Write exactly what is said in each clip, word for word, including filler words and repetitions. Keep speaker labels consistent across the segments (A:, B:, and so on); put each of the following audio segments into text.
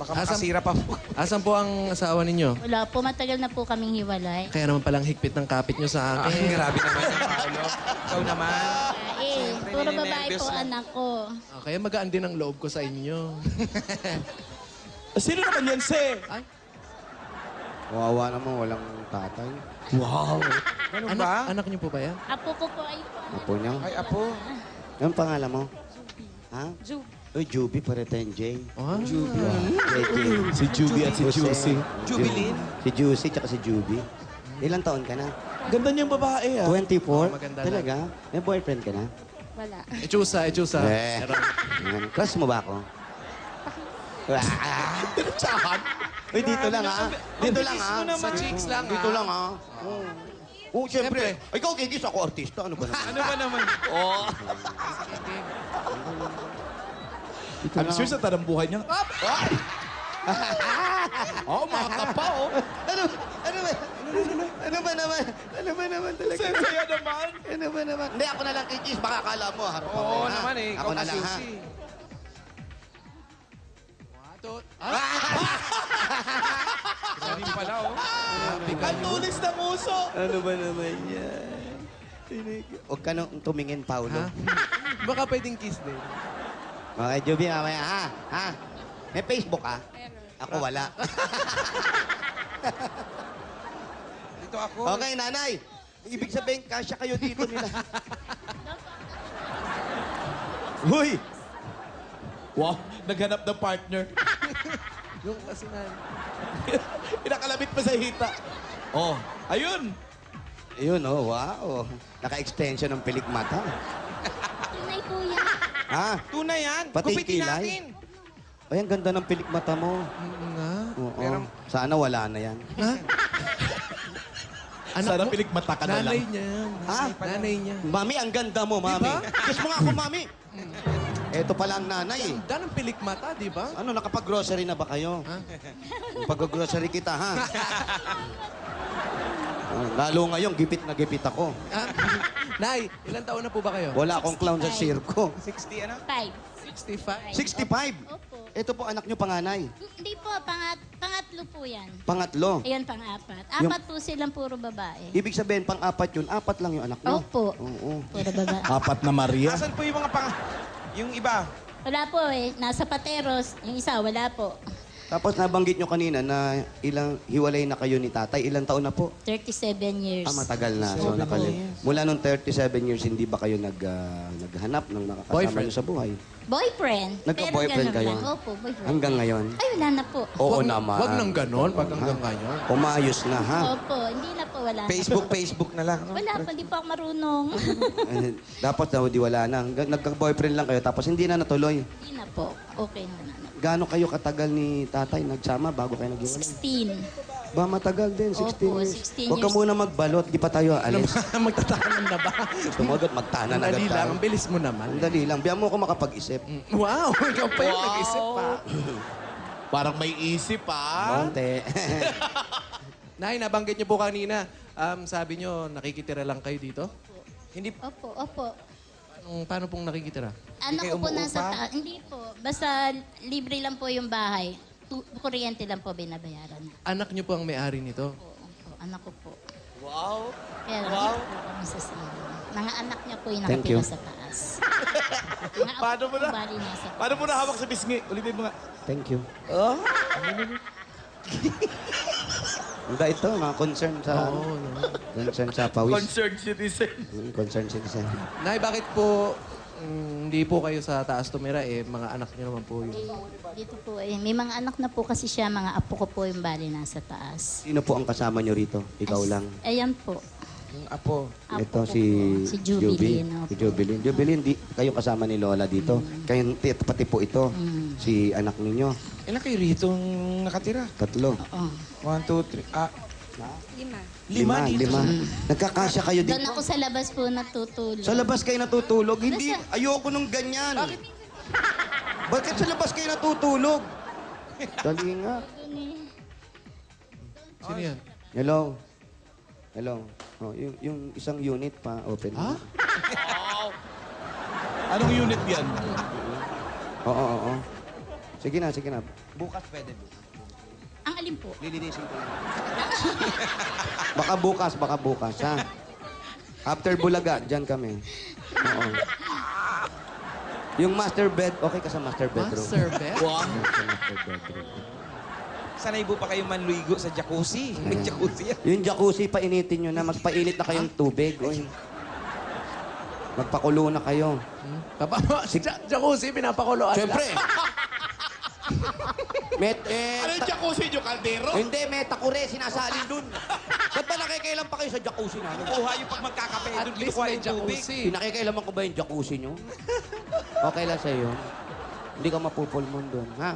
A: Baka
B: Asan-
A: makasira pa po.
B: Asan po ang asawa ninyo?
C: Wala po, matagal na po kaming hiwalay.
B: Kaya naman palang higpit ng kapit nyo sa
A: Ay,
B: akin.
A: grabe naman yung Paolo. Ikaw naman.
C: Ah, eh,
A: Siyempre,
C: puro babae
A: nininervyos
C: po
A: lang.
C: anak ko.
B: Ah, kaya magaan din ang loob ko sa inyo.
D: Sino naman yan, Se?
B: Ay,
E: Wawa naman, walang tatay.
D: Wow.
A: Ganun
B: anak,
A: ba?
B: anak niyo po ba yan?
C: Apo ko po ay po anak.
E: Apo niya.
A: Ay, apo.
E: Anong pangalan mo? Ha?
C: Jub.
E: Uy, Juby, pare tayong J.
B: Ah,
E: J J.
D: Si Juby at si Juicy.
A: Jubilin?
E: Si Juicy, tsaka si Juby. Ilang taon ka na?
D: Ganda niyang babae, ah.
E: twenty-four?
B: Oh, maganda
E: Talaga? May boyfriend ka na?
C: Wala.
B: Echusa, echusa.
E: Eh.
B: Meron.
E: Yan. Crush mo ba ako?
D: Tsahan.
E: Uy, dito lang, ha? Dito lang, ha?
B: Sa cheeks lang,
E: Dito
B: ha?
E: lang, ha? Oo. Oo, siyempre. Ikaw, kikis ako, artista. Ano ba naman?
A: Ano ba naman?
D: Oh. Ano sure sa tanang buhay niya? Oh, mga kapa, oh.
E: Ano? Ano ba? Ano ba naman? Ano ba naman talaga?
D: Saya naman.
E: Ano ba naman? Hindi, ako na lang kikis. Baka akala mo, harap ako.
A: Oo
E: ha?
A: naman eh.
E: Ako
A: Ikaw
E: na lang, ha?
A: kasi.
B: Atot.
A: Sabi pala, oh.
D: Ang tulis ng uso.
E: Ano ba naman yan? Huwag ka nang tumingin, Paulo.
B: Ha? Baka pwedeng kiss din.
E: Okay, Juby, mamaya, ha? Ha? May Facebook, ha? Ako wala.
A: Dito ako.
E: Okay, nanay. Ibig sabihin, kasya kayo dito nila. Huy!
D: Wow, naghanap ng partner.
B: Yung kasi na...
D: Inakalabit pa sa hita. Oh, ayun.
E: Ayun, oh, wow. Naka-extension ng pilik mata.
C: Tunay po yan.
E: Ha?
A: Tunay yan.
E: Pati
A: Gupitin
E: kilay?
A: natin.
E: Ay, ang ganda ng pilik mata mo.
B: Oo nga.
E: Oo.
A: Pero-
E: Sana wala na yan.
B: Ha? Anak
D: Sana
B: mo?
D: pilikmata ka na
B: Nanay
D: lang.
B: niya. yan.
E: Ha?
B: Nanay niya.
E: Mami, ang ganda mo, mami. Kiss mo nga ako, mami. Eto pala ang nanay, eh.
B: Ganda ng pilik mata, di ba?
E: Ano, nakapag-grocery na ba kayo?
B: Ha?
E: Pag-grocery kita, ha? Ah, lalo ngayon, gipit na gipit ako.
B: Ah, Nay, ilang taon na po ba kayo?
E: Wala akong clown sa sirko.
A: sixty ano?
C: Five.
B: sixty-five.
E: sixty-five.
C: Opo.
E: Ito po anak nyo panganay.
C: Hindi po, pangat, pangatlo po yan.
E: Pangatlo.
C: Ayun, pang-apat.
E: Yung-
C: Apat po silang puro babae.
E: Ibig sabihin, pang-apat yun. Apat lang yung anak nyo.
C: Opo.
E: Oo.
C: Puro babae.
D: Apat na Maria.
A: Asan po yung mga pang... Yung iba?
C: Wala po eh. Nasa Pateros. Yung isa, wala po.
E: Tapos nabanggit nyo kanina na ilang hiwalay na kayo ni tatay. Ilang taon na po?
C: thirty-seven years.
E: Ah, matagal na. So, nakalim. Mula nung thirty-seven years, hindi ba kayo nag, ah, naghanap ng nakakasama
B: Boyfriend.
E: nyo sa buhay?
C: Boyfriend.
E: Nagka-boyfriend
C: Pero ganun
E: kayo?
C: lang. Opo, boyfriend.
E: Hanggang ngayon?
C: Ay, wala na po.
E: Oo
B: Wag-
E: naman.
B: Wag nang ganon pag hanggang ngayon.
E: Umayos na, ha?
C: Opo, hindi na po, wala
A: Facebook,
C: na.
A: Facebook na lang. no?
C: Wala po, hindi po ako marunong.
E: Eh, Dapat daw di wala na. Hanggang- Nagka-boyfriend lang kayo, tapos hindi na natuloy.
C: Hindi na po. Okay na na.
E: Gaano kayo katagal ni tatay nagsama bago kayo naghiwalay?
C: sixteen.
E: Ba, matagal din, sixteen
C: Opo,
E: years.
C: sixteen
E: Huwag ka
C: years.
E: muna magbalot, di pa tayo
B: Alam
E: alis.
B: mo, magtatanan na ba?
E: Gusto mo agad, magtanan
B: Ang
E: agad
B: dali lang.
E: tayo.
B: Ang bilis mo naman.
E: Ang dali lang. Biyan mo ako makapag-isip.
B: Wow! Ikaw pa yung nag-isip pa.
D: Parang may isip, ah.
E: Monte.
B: Nay, nabanggit niyo po kanina. Um, sabi niyo, nakikitira lang kayo dito?
A: Hindi
C: Opo, opo.
B: Anong, paano pong nakikitira?
C: Ano
A: kayo
C: ko po
A: umuupa?
C: nasa taas? Hindi po. Basta libre lang po yung bahay. Tu- kuryente lang po binabayaran.
B: Anak niyo po ang may-ari nito?
C: Po, opo. Anak ko po.
D: Wow.
C: Kaya lang
D: Wow.
C: po kami sa sila. Mga anak niya po yung
E: Thank
C: nakatira
E: you.
C: sa taas. Mga apo
D: Paano mo
C: po
D: na?
C: bali nasa taas.
D: Paano mo na hawak sa bisngi? Ulitin mo nga.
E: Thank you.
D: Oh?
E: Hindi ito, mga concern sa...
B: Oo, no.
E: Concern sa pawis.
D: Concerned citizen.
E: Mm, Concern citizen.
B: Nay, bakit po mm, hindi po kayo sa taas tumira? Eh, mga anak niyo naman po yung...
C: Dito po eh. May mga anak na po kasi siya. Mga apo ko po yung bali nasa taas.
E: Sino po ang kasama nyo rito? Ikaw
C: As-
E: lang.
C: Ayan po.
A: yung apo.
C: Apo
E: Ito
C: ko
E: si...
C: po. Si Jubilin.
E: Juby.
C: opo.
E: Si Jubilin. Jubilin, di, kayo kasama ni Lola dito. Kayo, ti- pati po ito.
C: Mm.
E: Si anak ninyo.
A: Ilan kayo rito nakatira?
E: Tatlo.
C: Oo.
A: One, two, three. Ah,
C: Lima.
A: lima dito.
E: Lima. Nagkakasya kayo dito.
C: Doon ako sa labas po natutulog.
E: Sa labas kayo natutulog? Hindi,
C: Nasa-
E: ayoko nung ganyan. Bakit sa labas kayo natutulog? Dali nga.
C: Doon eh.
B: Sino yan?
E: Hello? Hello? Oh, yung, yung isang unit pa, open.
B: Ha?
D: Anong unit yan?
E: Oo, oo, oo. Sige na, sige na. Bukas pwede bukas.
C: Ang alin po?
E: Lilinisin ko lang. Baka bukas, baka bukas, ha? After Bulaga, dyan kami. Oo. Yung master bed, okay ka sa master bedroom?
B: Master bed?
E: Wow. Sa master bedroom.
A: Sanay po pa kayong manluigo sa jacuzzi. May jacuzzi yan.
E: Yung jacuzzi, painitin nyo na. Magpainit na kayong tubig. Uy. Magpakulo na kayo.
B: Papa, si jacuzzi, pinapakuloan
E: Siyempre.
B: lang.
E: Met, eh,
D: Ano yung
E: ta-
D: jacuzzi nyo, kaldero?
E: hindi, may takure, sinasalin dun. Ba't ba nakikailan pa kayo sa jacuzzi namin?
A: Kuha yung pag magkakape.
B: At
A: Doon
B: least
A: kinukuha
B: may
A: yung tubig.
B: jacuzzi.
E: Pinakikailaman ko ba yung jacuzzi nyo? Okay lang sa'yo. Hindi ka mapupulmon dun, ha?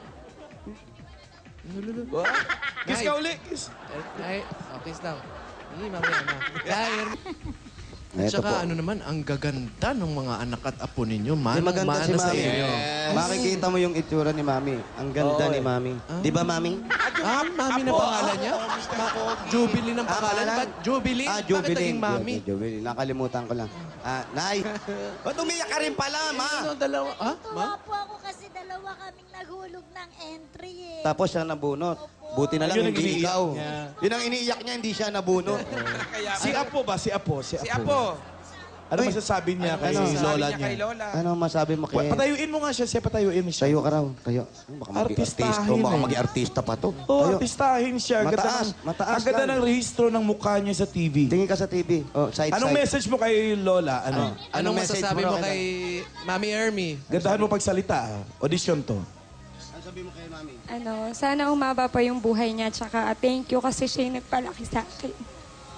A: Kiss ka uli. Kiss.
B: Ay, okay daw. Hindi, mamaya na. Dahil,
E: Eto
B: tsaka
E: po.
B: ano naman, ang gaganda ng mga anak at apo ninyo.
E: Di
B: Manong
E: maganda si
B: mana sa
E: Mami.
B: inyo.
E: Makikita mo yung itsura ni Mami. Ang ganda ni Mami. Di ba, Mami?
B: Ah, Mami na pangalan niya? Ma- Jubilee ng pangalan.
E: pangalan?
B: Ba't Jubilee?
E: Ah,
B: Bakit
E: Jubilee.
B: naging Mami?
E: Ju- Jubilee. Nakalimutan ko lang. Ah, Nay. Ba't umiyak ka rin pala, Ma?
B: Ano, dalawa? Ha? Ma?
F: Tuwa po ako kasi dalawa kaming naghulog ng entry eh.
E: Tapos siya nabunot. Buti na lang
D: Yun ang
E: hindi
D: iniiyak
E: ikaw.
D: niya.
E: Yun ang iniiyak niya, hindi siya nabunot.
A: Kaya,
D: Si Apo ba? Si Apo. Si Apo.
A: Si Apo.
D: Ano
E: Uy.
D: masasabi niya kay
E: Ano?
D: Lola
A: Sabi niya kay
D: niya?
A: Lola.
E: Ano masabi mo
D: Wa-
E: kay...
D: Patayuin mo nga siya. Siya patayuin mo siya.
E: Tayo ka raw. Tayo. Baka maging
D: Artistahin
E: artista. Baka
D: eh.
E: maging artista pa to.
D: Oo,
E: Tayo.
D: artistahin siya. Ang ganda
E: Mataas,
D: ng-
E: mataas
D: Ang ganda
E: lang.
D: ng rehistro ng mukha niya sa T V.
E: Tingin ka sa T V. Oh, side,
D: Anong
E: side.
D: message mo kay Lola? Ano?
B: Anong
E: Anong message
B: masasabi
E: mo
B: mo
E: raw
B: kay Mami Ermi?
D: Gandahan mo pagsalita. ah. Audition to.
E: Ano sabi mo kay Mami?
G: Ano, sana umaba pa yung buhay niya. Tsaka thank you kasi siya yung nagpalaki sa akin.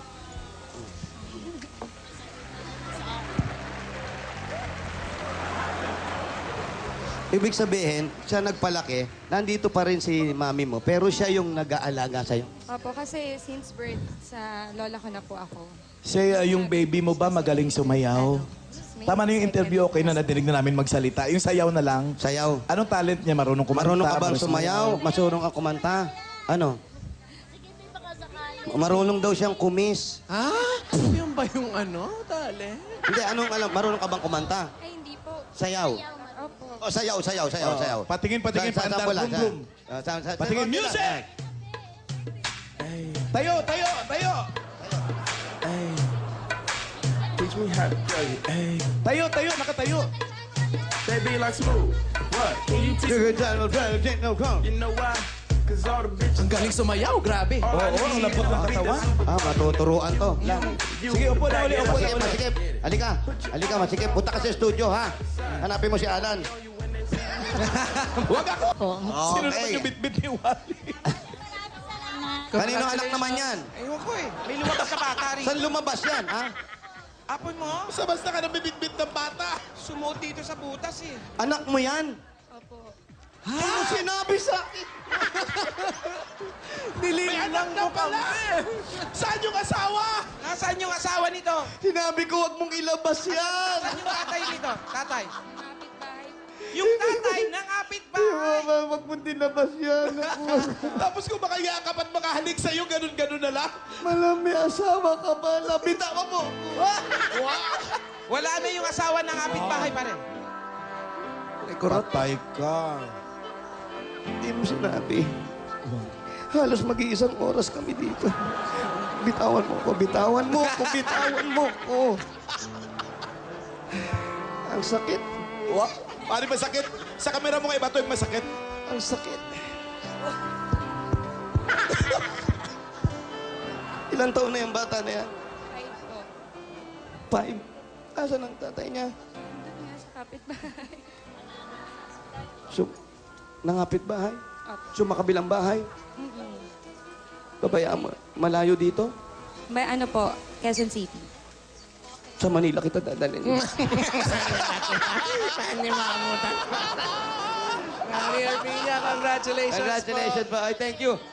E: Ibig sabihin, siya nagpalaki, nandito pa rin si Mami mo, pero siya yung nag-aalaga sa'yo.
G: Opo, kasi since birth, sa lola ko na po ako.
D: Say, uh, yung baby mo ba magaling sumayaw?
G: May
D: Tama na yung interview, okay na nadinig na namin magsalita. Yung sayaw na lang.
E: Sayaw.
D: Anong talent niya? Marunong kumanta?
E: Marunong ka bang
D: marunong
E: sumayaw? Marunong ka kumanta? Ano? Marunong daw siyang kumis.
B: Ah? Yun ba yung ano? Tale?
E: Hindi, anong alam? Marunong ka bang kumanta?
G: Ay, hindi po.
E: Sayaw.
G: Opo.
E: Oh, sayaw, sayaw, sayaw,
D: Oo.
E: sayaw.
D: Patingin, patingin,
E: Sa- sa-
D: paandar,
E: sample lang,
D: boom,
E: sa-
D: boom.
E: Ah, sa- sa-
D: Patingin,
E: sa-
D: music! Tayo, tayo, tayo!
H: Teach me how to play it. Hey,
D: Tayo, tayo, nakatayo.
H: they be like smooth. What? Can you teach me? You know why? Cause all the bitches.
B: Ang galing sumayaw, grabe.
D: Oo, oh, ang lambot ng katawan.
E: Ah, matuturuan to.
D: Sige, upo na uli, upo na
E: Masikip,
D: uli.
E: masikip. Halika. Halika, masikip. Punta ka sa studio, ha? Hanapin mo si Alan.
D: Huwag ako!
C: Po.
D: Sino naman
E: Okay.
D: yung bitbit ni Wally?
E: Kanino anak naman yan?
A: Ewan ko eh. May lumabas sa bata rin.
E: Saan lumabas yan, ha?
A: Apon mo,
D: Basta basta ka nang bibitbit ng bata.
A: sumuot dito sa butas eh.
E: Anak mo yan?
G: Opo.
E: Ano sinabi sa akin?
D: May anak na pala! Saan yung asawa?
A: Nasaan yung asawa nito?
E: Sinabi ko, huwag mong ilabas yan.
A: Saan yung tatay nito? Tatay.
G: Kapit-bahay.
A: Yung tatay ng kapitbahay.
E: Huwag mong dinabas yan.
D: Tapos kung makayakap at makahalik sa'yo, ganun-ganun na lang.
E: Malam, may asawa ka pala. Bitawan mo.
A: Wala na yung asawa ng kapitbahay pa rin.
E: Patay ka. Hindi mo sinabi. Halos mag-iisang oras kami dito. Bitawan mo ko, bitawan mo ko, bitawan mo ko. Ang sakit.
D: Wow. Paano masakit? Sa kamera mo kay Bato yung masakit.
E: Ang sakit. Ilang taon na yung bata na yan?
G: Five po.
E: Five. Asan ang tatay niya?
G: Nandun nga sa kapit-bahay.
E: So, nangapit bahay?
G: Opo.
E: So, makabilang bahay?
G: Mm-mm.
E: Babayaan mo. Malayo dito?
G: May ano po, Quezon City.
E: Sa Manila kita dadalhin.
B: Mami Ermi niya, congratulations po.
E: Congratulations po. Ay, thank you.